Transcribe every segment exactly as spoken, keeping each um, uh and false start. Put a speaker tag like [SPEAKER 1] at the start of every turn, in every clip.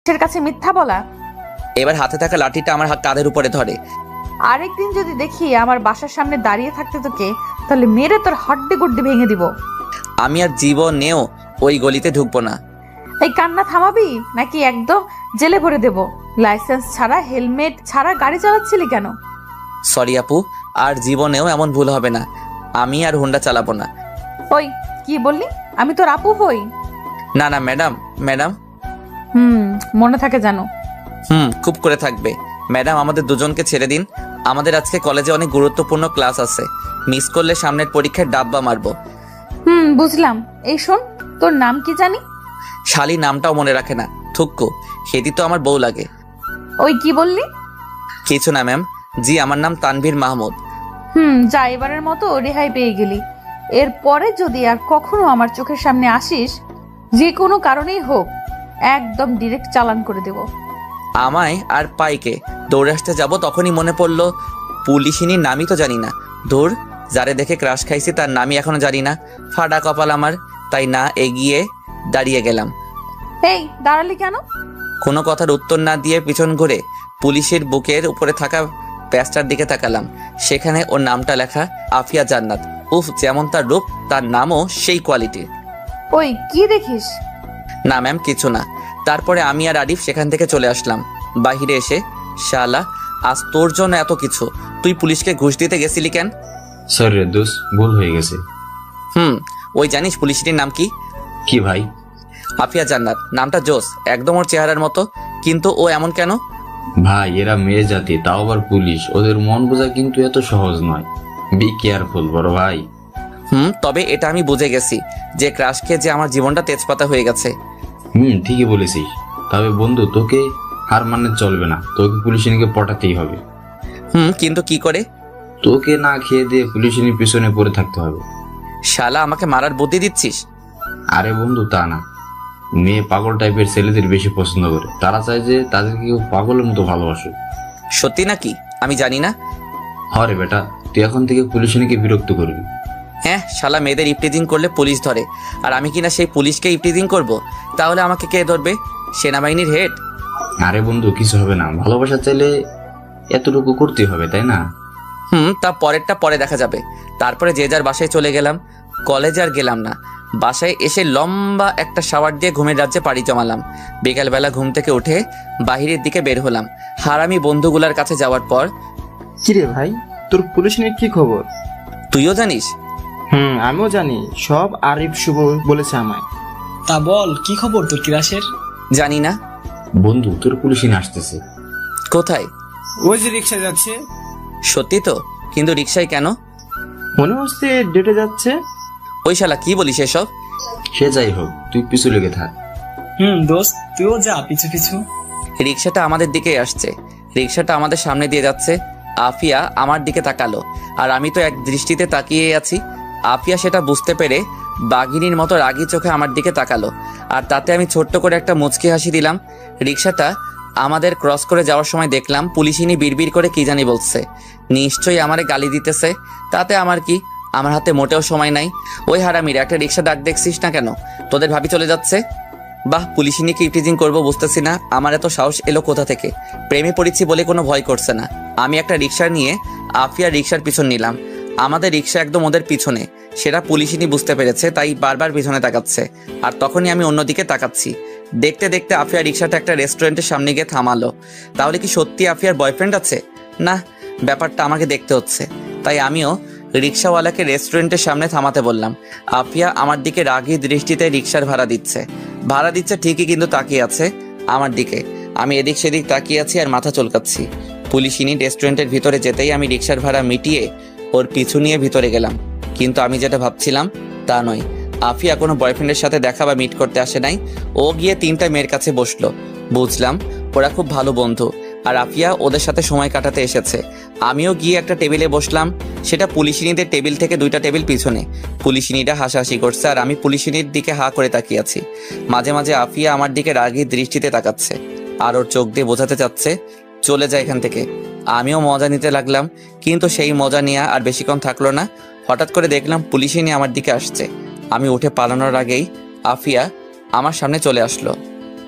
[SPEAKER 1] এর কাছে মিথ্যা বলা।
[SPEAKER 2] এবার হাতে থাকা লাঠিটা আমার হাত কাঁধের উপরে ধরে।
[SPEAKER 1] আরেকদিন যদি দেখি আমার বাসার সামনে দাঁড়িয়ে থাকতে তোকে, তাহলে মেরে তোর হাড্ডি গুড্ডি ভেঙে দিব।
[SPEAKER 2] আমি আর জীবনেও ওই গলিতে ঢুকবো না।
[SPEAKER 1] এই কান্না থামাবি নাকি একদম জেলে ভরে দেব? লাইসেন্স ছাড়া হেলমেট ছাড়া গাড়ি চালাচ্ছিলি কেন?
[SPEAKER 2] সরি আপু, আর জীবনেও এমন ভুল হবে না। আমি আর হুন্ডা চালাবো না।
[SPEAKER 1] ওই কি বললি? আমি তোর আপু হই?
[SPEAKER 2] না না ম্যাডাম, ম্যাডাম।
[SPEAKER 1] হুম, মনে থাকে জানো।
[SPEAKER 2] হুম, খুব করে থাকবে। ম্যাডাম, আমাদের দুজনকে ছেড়ে দিন। আমাদের আজকে কলেজে অনেক গুরুত্বপূর্ণ ক্লাস আছে। মিস করলে সামনের পরীক্ষায় ডাব্বা মারবো।
[SPEAKER 1] হুম, বুঝলাম। এই শোন, তোর নাম কি জানি?
[SPEAKER 2] শালি নামটাও মনে রাখে না, থুক্কু। সেটি তো আমার বউ লাগে।
[SPEAKER 1] ওই কি বললি?
[SPEAKER 2] কিছু না ম্যাম। জি, আমার নাম তানভীর মাহমুদ।
[SPEAKER 1] হুম, যা, এবারের মতো রেহাই পেয়ে গেলি। এরপরে যদি আর কখনো আমার চোখের সামনে আসিস, যে কোনো কারণেই হোক, একদম ডিরেক্ট চালান করে দেব।
[SPEAKER 2] আমায় আর পাইকে দৌড়ে আসতে যাব, তখনই মনে পড়লো পুলিশিনীর নামই তো জানি না। ধুর, যারে দেখে ক্রাশ খাইছি তার নামই এখনো জানি না। ফাটা কপাল আমার। তাই না এগিয়ে দাঁড়িয়ে গেলাম।
[SPEAKER 1] এই, দাঁড়ালি কেন?
[SPEAKER 2] কোনো কথার উত্তর না দিয়ে পিছন ঘুরে পুলিশের বুকের উপরে থাকা প্যাচটার দিকে তাকালাম। সেখানে ওর নামটা লেখা, আফিয়া জান্নাত। উফ, যেমন তার রূপ, তার নামও সেই কোয়ালিটির।
[SPEAKER 1] ওই কি দেখিস?
[SPEAKER 2] না ম্যাম, কিছু না। তারপরে আমি আর আরিফ সেখান থেকে চলে আসলাম। বাহিরে এসে, শালা, আজ তোর জন্য এত কিছু। তুই পুলিশকে ঘুষ দিতে গেছিলি কেন?
[SPEAKER 3] সরি রে দোষ, ভুল হয়ে গেছে।
[SPEAKER 2] হুম, ওই জানিস পুলিশটির নাম কি?
[SPEAKER 3] কি ভাই?
[SPEAKER 2] আফিয়া জান্নাত। নামটা জোস, একদম ওর চেহারার মতো। কিন্তু ও এমন কেন?
[SPEAKER 3] ভাই, এরা মেয়ে জাতি, তাও আবার পুলিশ। ওদের মন বোঝা কিন্তু এত সহজ নয়। বি কেয়ারফুল বড় ভাই।
[SPEAKER 2] হুম, তবে এটা আমি বুঝে গেছি যে ক্রাশ খেয়ে যে আমার জীবনটা তেজপাতা হয়ে গেছে।
[SPEAKER 3] হুম, ঠিকই বলেছিস। তবে বন্ধু, তোকে হার মানে চলবে না। তোকে পুলিশিনীকে পটাতেই হবে।
[SPEAKER 2] হুম, কিন্তু কি করে?
[SPEAKER 3] তোকে না খেয়ে দিয়ে পুলিশিনীর পিছনে পড়ে থাকতে হবে।
[SPEAKER 2] শালা, আমাকে মারার বুদ্ধি দিচ্ছিস?
[SPEAKER 3] আরে বন্ধু, তা না। মেয়ে পাগল টাইপের ছেলেদের বেশি পছন্দ করে। তারা চায় যে তাদেরকে কেউ পাগলের মতো ভালোবাসে।
[SPEAKER 2] সত্যি নাকি? আমি জানি না।
[SPEAKER 3] হরে বেটা, তুই এখন থেকে পুলিশিনীকে বিরক্ত করবি।
[SPEAKER 2] হ্যাঁ, শালা মেয়েদের ইপটিজিং করলে পুলিশ ধরে, আর আমি কিনা সেই পুলিশকে ইপটিজিং করব? তাহলে আমাকে কে ধরবে? সেনাবাহিনীর হেড?
[SPEAKER 3] আরে বন্ধু, কিছু হবে না। ভালোবাসা চাইলে এতটুকু করতেই হবে, তাই না?
[SPEAKER 2] হুম, তা পরেরটা পরে দেখা যাবে। তারপরে যে যার বাসায় চলে গেলাম। কলেজে আর গেলাম না। বাসায় এসে লম্বা একটা শাওয়ার দিয়ে ঘুমের রাজ্যে পাড়ি জমালাম। বিকালবেলা ঘুম থেকে উঠে বাহিরের দিকে বের হলাম হারামি বন্ধুগুলার কাছে যাওয়ার পর।
[SPEAKER 4] কিরে ভাই, তোর পুলিশ নিয়ে কি খবর?
[SPEAKER 2] তুইও জানিস?
[SPEAKER 4] হুম, আমিও জানি। সব আরিফ শুভ বলেছে আমায়।
[SPEAKER 5] তা বল, কি খবর তোর ক্লাসের?
[SPEAKER 2] জানি না।
[SPEAKER 3] বন্ধু, তোর পুলিশিনী আসতেছে।
[SPEAKER 2] কোথায়?
[SPEAKER 5] ওই যে রিক্সা যাচ্ছে।
[SPEAKER 2] সত্যি তো? কিন্তু রিক্সায় কেন?
[SPEAKER 4] মনে হচ্ছে ডেটে যাচ্ছে।
[SPEAKER 2] ওই শালা কি বলিস এসব?
[SPEAKER 3] সে যাই হোক, তুই পিছু লেগে থাক।
[SPEAKER 5] হুম দোস্ত, তুইও যা পিছু পিছু।
[SPEAKER 2] রিক্সাটা আমাদের দিকেই আসছে। রিক্সাটা আমাদের সামনে দিয়ে যাচ্ছে। আফিয়া আমার দিকে তাকালো, আর আমি তো এক দৃষ্টিতে তাকিয়ে আছি। আফিয়া সেটা বুঝতে পেরে বাঘিনীর মতো রাগী চোখে আমার দিকে তাকালো, আর তাতে আমি ছোট্ট করে একটা মুচকি হাসি দিলাম। রিক্সাটা আমাদের ক্রস করে যাওয়ার সময় দেখলাম পুলিশিনী বিড়বিড় করে কি জানি বলছে। নিশ্চয়ই আমারে গালি দিতেছে। তাতে আমার কি? আমার হাতে মোটেও সময় নাই। ওই হারামির একটা রিক্সা ডাক দেখছিস না কেন? তোদের ভাবি চলে যাচ্ছে। বাহ, পুলিশিনীকে ইপটিজিং করবো বুঝতেছি না আমার এত সাহস এলো কোথা থেকে। প্রেমে পড়েছি বলে কোনো ভয় করছে না। আমি একটা রিক্সা নিয়ে আফিয়া রিক্সার পিছন নিলাম। আমাদের রিক্সা একদম ওদের পিছনে। সেটা পুলিশিনী বুঝতে পেরেছে, তাই বারবার পিছনে তাকাচ্ছে। আর তখনই আমি অন্যদিকে তাকাচ্ছি। দেখতে দেখতে আফিয়া রিক্সাটা একটা রেস্টুরেন্টের সামনে গিয়ে থামালো। তাহলে কি সত্যি আফিয়ার বয়ফ্রেন্ড আছে? না, ব্যাপারটা আমাকে দেখতে হচ্ছে। তাই আমিও রিক্সাওয়ালাকে রেস্টুরেন্টের সামনে থামাতে বললাম। আফিয়া আমার দিকে রাগী দৃষ্টিতে রিক্সার ভাড়া দিচ্ছে। ভাড়া দিচ্ছে ঠিকই, কিন্তু তাকিয়ে আছে আমার দিকে। আমি এদিক সেদিক তাকিয়ে আছি আর মাথা চুলকাচ্ছি। পুলিশিনী রেস্টুরেন্টের ভিতরে যেতেই আমি রিক্সার ভাড়া মিটিয়ে ওর পিছু নিয়ে ভিতরে গেলাম। কিন্তু আমি যেটা ভাবছিলাম তা নয়। আফিয়া কোনো বয়ফ্রেন্ডের সাথে দেখা বা মিট করতে আসে নাই। ও গিয়ে তিনটা মেয়ের কাছে বসলো। বুঝলাম ওরা খুব ভালো বন্ধু, আর আফিয়া ওদের সাথে সময় কাটাতে এসেছে। আমিও গিয়ে একটা টেবিলে বসলাম। সেটা পুলিশিনীদের টেবিল থেকে দুইটা টেবিল পিছনে। পুলিশিনীরা হাসাহাসি করছে, আর আমি পুলিশিনীর দিকে হা করে তাকিয়ে আছি। মাঝে মাঝে আফিয়া আমার দিকে রাগী দৃষ্টিতে তাকাচ্ছে, আর ওর চোখ দিয়ে বোঝাতে চাচ্ছে চলে যায় এখান থেকে। আমিও মজা নিতে লাগলাম, কিন্তু সেই মজা নেওয়া আর বেশিক্ষণ থাকলো না। হঠাৎ করে দেখলাম পুলিশিনী আমার দিকে আসছে। আমি উঠে পালানোর আগেই আফিয়া আমার সামনে চলে আসলো।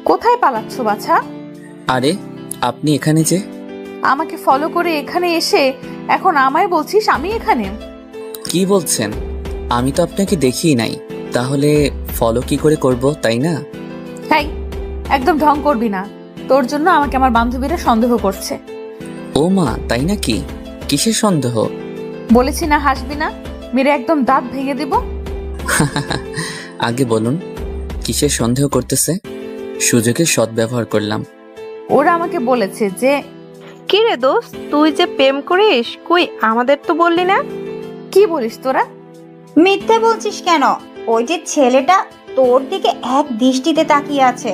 [SPEAKER 1] কোথায় পালাচ্ছ বাছা?
[SPEAKER 2] আরে আপনি এখানে যে?
[SPEAKER 1] আমাকে ফলো করে এখানে এসে এখন আমায় বলছিস আমি এখানে?
[SPEAKER 2] কি বলছেন? আমি তো আপনাকে দেখিই নাই, তাহলে ফলো কি করে করব, তাই না?
[SPEAKER 1] তাই একদম ঢং করবি না, তোর জন্য আমাকে আমার বান্ধবীরা সন্দেহ করছে।
[SPEAKER 2] ও মা, তাই নাকি? কিসের সন্দেহ?
[SPEAKER 1] বলেছি না হাসবি না, মেরে একদম দাঁত ভেঙে দেব।
[SPEAKER 2] আগে বলুন, কিসের সন্দেহ করতেছে? সুযোগের সদ্ব্যবহার করলাম।
[SPEAKER 1] ওরা আমাকে বলেছে যে
[SPEAKER 6] কি রে দোস্ত, তুই যে প্রেম করিস, কই আমাদের তো বললি না?
[SPEAKER 1] কি বলিস তোরা?
[SPEAKER 7] মিথ্যে বলছিস কেন? ওই যে ছেলেটা তোর দিকে এক দৃষ্টিতে তাকিয়ে আছে,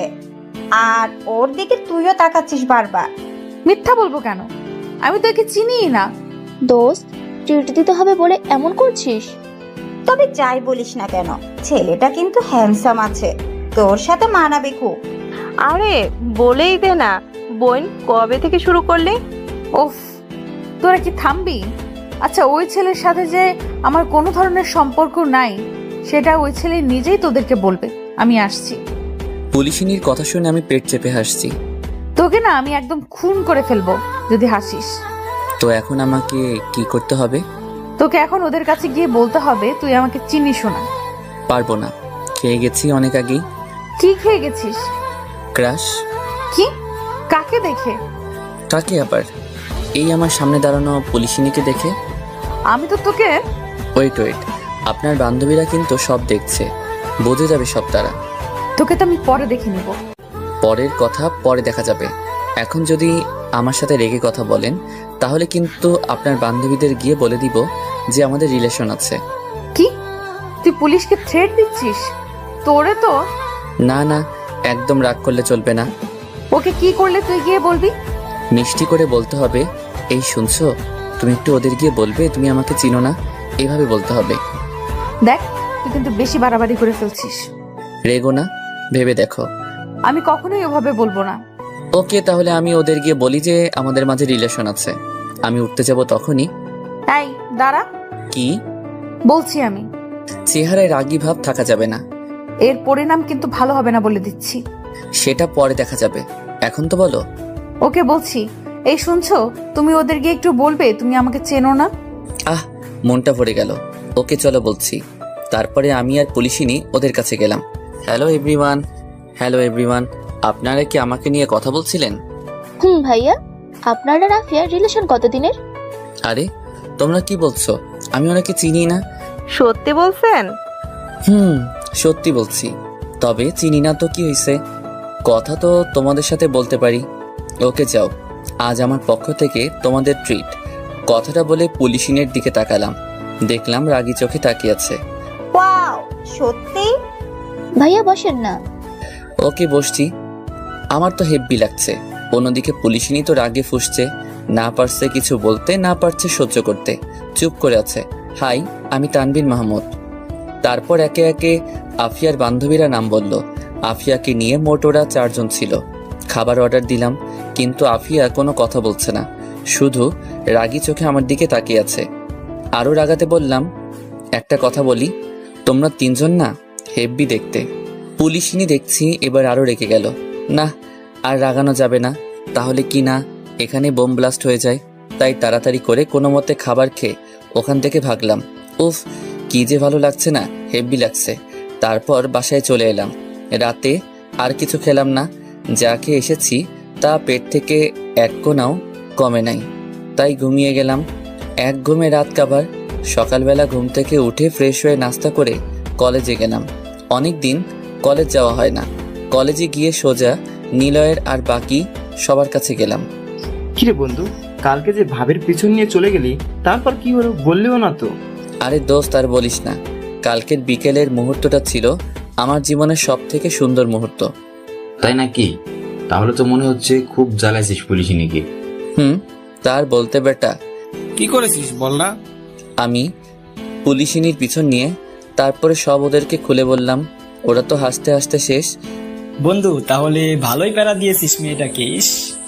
[SPEAKER 7] আর ওর দিকে তুইও তাকাচ্ছিস বারবার।
[SPEAKER 1] মিথ্যা বলবো কেন? আমি তো একে চিনিই না।
[SPEAKER 8] দোস্ত, ট্রিট দিতে হবে বলে এমন করছিস?
[SPEAKER 7] তবে যাই বলিস না কেন, ছেলেটা কিন্তু হ্যান্ডসাম আছে, তোর সাথে মানাবে খুব।
[SPEAKER 6] আরে বলেই দে না বোন, কবে থেকে শুরু করলি?
[SPEAKER 1] ওফ, তোরা কি থামবি? আচ্ছা, ওই ছেলের সাথে যে আমার কোনো ধরনের সম্পর্ক নাই সেটা ওই ছেলে নিজেই তোদেরকে বলবে। আমি আসছি।
[SPEAKER 2] পুলিশিনীর কথা শুনে আমি পেট চেপে হাসছি।
[SPEAKER 1] তোকে না আমি একদম খুন করে ফেলবো যদি হাসিস।
[SPEAKER 2] তো এখন আমাকে কি করতে হবে?
[SPEAKER 1] তোকে এখন ওদের কাছে গিয়ে বলতে হবে তুই আমাকে চিনিস না।
[SPEAKER 2] পারবো না, খেয়ে গেছি অনেক আগেই।
[SPEAKER 1] কি খেয়ে গেছিস?
[SPEAKER 2] ক্রাশ।
[SPEAKER 1] কি? কাকে দেখে?
[SPEAKER 2] কাকে আবার? এই আমার সামনে দাঁড়ানো পুলিশিনীকে দেখে।
[SPEAKER 1] আমি তো তোকে
[SPEAKER 2] ওয়েট ওয়েট, আপনার বান্ধবীরা কিন্তু সব দেখছে, বোঝে যাবে সব তারা।
[SPEAKER 1] তোকে তো আমি পরে দেখে নিব।
[SPEAKER 2] পরের কথা পরে দেখা যাবে। এখন যদি আমার সাথে রেগে কথা বলেন তাহলে কিন্তু আপনার বান্ধবীদের গিয়ে বলে দিব যে আমাদের রিলেশন আছে।
[SPEAKER 1] কি? তুই পুলিশকে থ্রেট দিচ্ছিস? তোরে তো।
[SPEAKER 2] না না, একদম রাগ করলে চলবে না।
[SPEAKER 1] ওকে কি করলে তুই গিয়ে বলবি?
[SPEAKER 2] মিষ্টি করে বলতে হবে, এই শুনছো, তুমি একটু ওদের গিয়ে বলবে তুমি আমাকে চিনো না, এভাবে বলতে হবে।
[SPEAKER 1] দেখ, তুই কিন্তু বেশি বাড়াবাড়ি করে ফেলছিস।
[SPEAKER 2] রেগো না, ভেবে দেখো।
[SPEAKER 1] আমি কখনোই ওভাবে বলবো না।
[SPEAKER 2] ওকে, তাহলে আমি ওদের গিয়ে বলি যে আমাদের মাঝে রিলেশন আছে। আমি উঠতে যাব তখনই।
[SPEAKER 1] এই দাঁড়া,
[SPEAKER 2] কি
[SPEAKER 1] বলছি আমি।
[SPEAKER 2] চেহারায় রাগী ভাব থাকা যাবে না।
[SPEAKER 1] এর পরিণাম কিন্তু ভালো হবে না বলে দিচ্ছি।
[SPEAKER 2] সেটা পরে দেখা যাবে, এখন তো বলো।
[SPEAKER 1] ওকে বলছি, এই শুনছো, তুমি ওদের গিয়ে একটু বলবে তুমি আমাকে চেনো না।
[SPEAKER 2] আহ, মনটা ভরে গেল। ওকে চলো বলছি। তারপরে আমি আর পুলিশিনী ওদের কাছে গেলাম। হ্যালো এভরিওয়ান, হ্যালো এভরিওয়ান, আপনারা কি আমাকে নিয়ে কথা বলছিলেন?
[SPEAKER 8] হুম ভাইয়া, আপনার আর আফিয়ার রিলেশন কতদিনের?
[SPEAKER 2] আরে তোমরা কি বলছো? আমি ওনাকে চিনি না।
[SPEAKER 6] সত্যি বলছেন?
[SPEAKER 2] হুম, সত্যি বলছি। তবে চিনি না তো কি হয়েছে, কথা তো তোমাদের সাথে বলতে পারি। ওকে যাও, আজ আমার পক্ষ থেকে তোমাদের ট্রিট। কথাটা বলে পুলিশিনের দিকে তাকালাম, দেখলাম রাগী চোখে তাকিয়ে আছে।
[SPEAKER 7] ওয়াও, সত্যি?
[SPEAKER 8] ভাইয়া বসেন না।
[SPEAKER 2] ওকে বসছি। আমার তো হেব্বি লাগছে। অন্যদিকে পুলিশিনী তো রাগে ফুঁসছে, না পারছে কিছু বলতে, না পারছে সহ্য করতে, চুপ করে আছে। হাই, আমি তানভীর মাহমুদ। তারপর একে একে আফিয়ার বান্ধবীরা নাম বলল। আফিয়াকে নিয়ে মোট ওরা চারজন ছিল। খাবার অর্ডার দিলাম, কিন্তু আফিয়া কোনো কথা বলছে না, শুধু রাগী চোখে আমার দিকে তাকিয়ে আছে। আরও রাগাতে বললাম, একটা কথা বলি, তোমরা তিনজন না হেব্বি দেখতে। পুলিশিনী দেখছি এবার আরও রেগে গেল। না, আর রাগানো যাবে না, তাহলে কি না এখানে বোম ব্লাস্ট হয়ে যায়। তাই তাড়াতাড়ি করে কোনো মতে খাবার খেয়ে ওখান থেকে ভাগলাম। উফ, কি যে ভালো লাগছে না, হেব্বি লাগছে। তারপর বাসায় চলে এলাম। রাতে আর কিছু খেলাম না, যা খেয়ে এসেছি তা পেট থেকে এক কোনাও কমে নাই, তাই ঘুমিয়ে গেলাম। এক ঘুমে রাত কাবার। সকালবেলা ঘুম থেকে উঠে ফ্রেশ হয়ে নাস্তা করে কলেজে গেলাম। অনেক দিন কলেজ যাওয়া হয় না। কলেজে গিয়ে সোজা নিলয়ের আর বাকি সবার কাছে গেলাম।
[SPEAKER 4] কিরে বন্ধু, কালকে যে ভাবের পিছন নিয়ে চলে গেলি, তারপর কি হলো বললেও না তো?
[SPEAKER 2] আরে দোস্ত, আর বলিস না, কালকের বিকেলের মুহূর্তটা ছিল আমার জীবনের সব থেকে সুন্দর মুহূর্ত।
[SPEAKER 3] তাই নাকি? তাহলে তো মনে হচ্ছে খুব জ্বালাইছিস পুলিশিনীকে।
[SPEAKER 2] হুম, তার বলতে বেটা।
[SPEAKER 5] কি করেছিস বল না?
[SPEAKER 2] আমি পুলিশিনীর পিছন নিয়ে তারপরে সব ওদেরকে খুলে বললাম। ওরা তো হাসতে হাসতে শেষ।
[SPEAKER 5] বন্ধু, তাহলে ভালোই প্যারা দিয়েছিস মেয়েটাকে। ইস,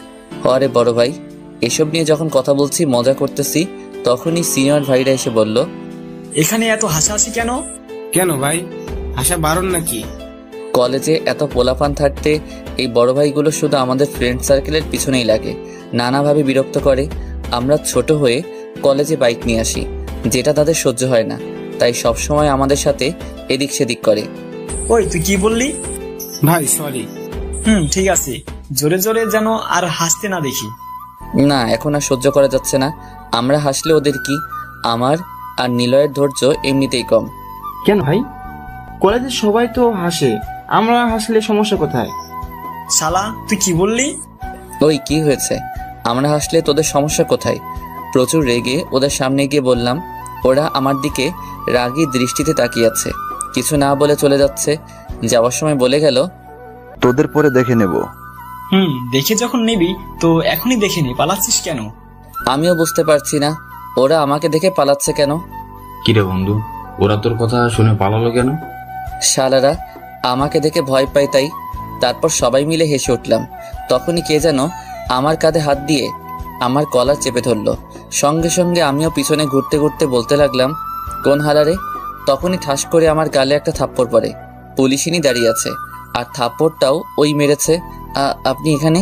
[SPEAKER 2] আরে বড় ভাই, এসব নিয়ে যখন কথা বলছি, মজা করতেছি, তখনই সিনিয়র ভাইরা এসে বলল,
[SPEAKER 5] এখানে এত হাসাহাসি কেন? কেন ভাই, হাসা বারণ নাকি?
[SPEAKER 2] কলেজে এত পোলাপান থাকতে এই বড় ভাইগুলো শুধু আমাদের ফ্রেন্ড সার্কেলের পিছনেই লাগে, নানাভাবে বিরক্ত করে। আমরা ছোট হয়ে কলেজে বাইক নিয়ে আসি, যেটা তাদের সহ্য হয় না, তাই সবসময় আমাদের সাথে এদিক সেদিক করে।
[SPEAKER 5] ওই তুই কি বললি?
[SPEAKER 9] ভাই সরি।
[SPEAKER 5] হুম ঠিক আছে, জোরে জোরে যেন আর হাসতে না দেখি।
[SPEAKER 2] না, এখন আর সহ্য করা যাচ্ছে না। আমরা হাসলে ওদের কি? আমার আর নিলয়ের ধৈর্য এমনিতেই কম।
[SPEAKER 4] কেন ভাই? কলেজের সবাই তো হাসে, আমরা হাসলে সমস্যা কোথায়?
[SPEAKER 5] শালা তুই কি বললি?
[SPEAKER 2] ওই কি হয়েছে? আমরা হাসলে তোদের সমস্যা কোথায়? প্রচুর রেগে ওদের সামনে গিয়ে বললাম। ওরা আমার দিকে রাগী দৃষ্টিতে তাকিয়ে আছে, কিছু না বলে চলে যাচ্ছে। যাওয়ার সময় বলে গেল,
[SPEAKER 10] তোদের পরে দেখে নেব।
[SPEAKER 5] হুম দেখে যখন নিবি তো এখনই দেখে নি, পালাচ্ছিস কেন?
[SPEAKER 2] আমিও বুঝতে পারছি না ওরা আমাকে দেখে পালাচ্ছে কেন।
[SPEAKER 3] কিরে বন্ধু, ওরা তোর কথা শুনে পালালো কেন?
[SPEAKER 2] শালারা আমাকে দেখে ভয় পায় তাই। তারপর সবাই মিলে হেসে উঠলাম। তখনই কে যেন আমার কাঁধে হাত দিয়ে আমার কলার চেপে ধরলো। সঙ্গে সঙ্গে আমিও পিছনে ঘুরতে ঘুরতে বলতে লাগলাম, কোন হালারে? তখনই ঠাস করে আমার গালে একটা থাপ্পড় পড়ে। পুলিশিনী দাঁড়িয়ে আছে, আর থাপ্পড়টাও ওই মেরেছে। আ- আপনি এখানে?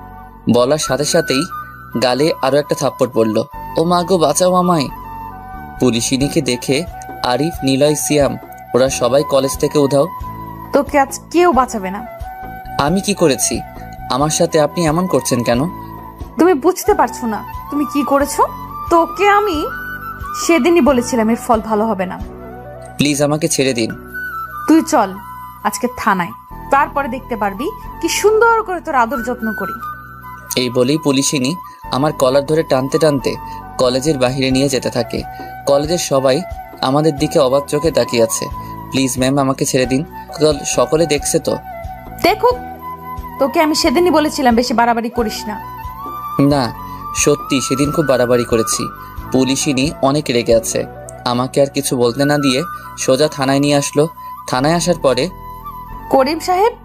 [SPEAKER 2] বলার সাথে সাথেই গালে আরো একটা থাপ্পড় পড়ল। ও মা গো, বাঁচাও আমায়! পুলিশিনীকে দেখে আরিফ, নিলয়, সিয়াম ওরা সবাই কলেজ থেকে উধাও।
[SPEAKER 1] তোকে আজ কেউ বাঁচাবে না।
[SPEAKER 2] আমি কি করেছি? আমার সাথে আপনি এমন করছেন কেন?
[SPEAKER 1] তুমি বুঝতে পারছো না তুমি কি করেছো। তোকে আমি সেদিনই বলেছিলাম এর ফল ভালো হবে না।
[SPEAKER 2] প্লিজ আমাকে ছেড়ে দিন।
[SPEAKER 1] তুই চল আজকে থানায়, তারপরে দেখতে পারবি কি সুন্দর করে তোর আদর যত্ন করি।
[SPEAKER 2] এই বলেই পুলিশিনী আমার কলার ধরে টানতে টানতে কলেজের বাইরে নিয়ে যেতে থাকে। কলেজের সবাই আমাদের দিকে অবাক চোখে তাকিয়ে আছে। প্লিজ ম্যাম, আমাকে ছেড়ে দিন। কল- সকলে দেখছে তো?
[SPEAKER 1] দেখুক, তোকে আমি সেদিনই বলেছিলাম বেশি বাড়াবাড়ি করিস না।
[SPEAKER 2] না, সত্যি সেদিন খুব বাড়াবাড়ি করেছি। পুলিশিনী অনেক রেগে আছে। আমাকে আর কিছু বলতে না দিয়ে সোজা থানায় নিয়ে আসলো। থানায় আসার পরে,
[SPEAKER 1] করিম সাহেব